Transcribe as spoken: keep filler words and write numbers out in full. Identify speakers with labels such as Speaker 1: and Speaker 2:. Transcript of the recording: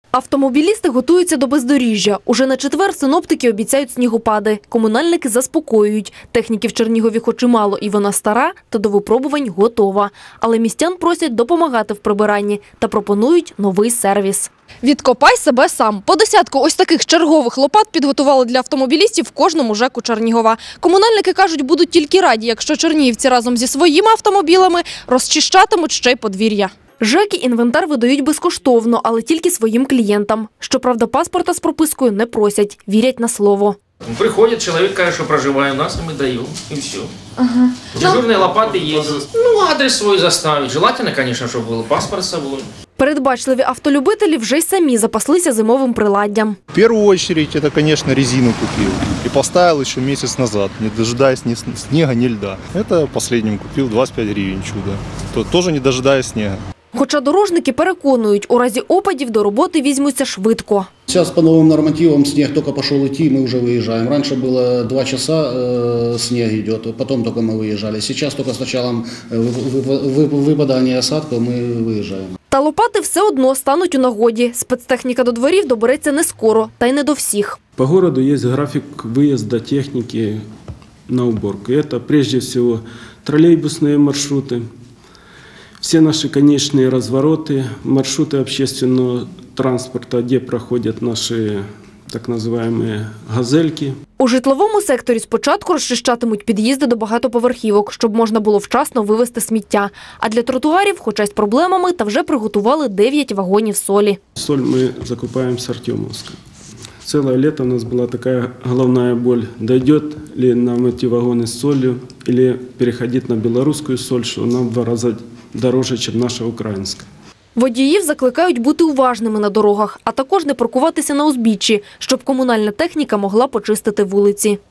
Speaker 1: Автомобілісти готуються до бездоріжжя. Уже на четвер синоптики обіцяють снігопади. Комунальники заспокоюють. Техніки в Чернігові хоч і мало, і вона стара, та до випробувань готова. Але містян просять допомагати в прибиранні та пропонують новий сервіс. Відкопай себе сам. По десятку ось таких чергових лопат підготували для автомобілістів в кожному ЖЕКу Чернігова. Комунальники кажуть, будуть тільки раді, якщо чернігівці разом зі своїми автомобілями розчищатимуть ще й подвір'я. ЖЕКи інвентар видають безкоштовно, але тільки своїм клієнтам. Щоправда, паспорта з пропискою не просять, вірять на слово.
Speaker 2: Приходит человек, каже, что проживает у нас, и мы даем, и все. Ага. Дежурные лопаты есть. Ну, адрес свой заставить. Желательно, конечно, чтобы был паспорт с собой.
Speaker 1: Передбачливі автолюбителі вже й самі запаслися зимовим приладдям.
Speaker 3: В первую очередь, это, конечно, резину купил. И поставил еще месяц назад, не дожидаясь ни снега, ни льда. Это последним купил двадцать пять гривен чудо. То, тоже не дожидаясь снега.
Speaker 1: Хоча дорожники переконують, у разі опадів до роботи візьмуться швидко.
Speaker 4: Сейчас по новым нормативам снег только пошел идти, мы уже выезжаем. Раньше было два часа э, снег идет, потом только мы выезжали. Сейчас только с началом выпадания осадков мы выезжаем.
Speaker 1: Та лопати все одно стануть у нагоді. Спецтехніка до дворів добереться не скоро, та й не до всіх.
Speaker 5: По городу есть график выезда техники на уборку. Это прежде всего троллейбусные маршруты, все наши конечные развороты, маршруты общественного транспорта, где проходят наши так называемые газельки.
Speaker 1: У житловому секторі спочатку розчищатимуть під'їзди до багатоповерхівок, щоб можна було вчасно вивезти сміття. А для тротуарів, хоча й з проблемами, та вже приготували дев'ять вагонів солі.
Speaker 5: Соль мы закупаем с Артемовска. Целое лето у нас была такая головная боль. Дойдет ли нам эти вагоны с солью или переходить на белорусскую соль, что нам в два раза дороже, чем наша украинская.
Speaker 1: Водіїв закликають бути уважними на дорогах, а також не паркуватися на узбіччі, щоб комунальна техніка могла почистити вулиці.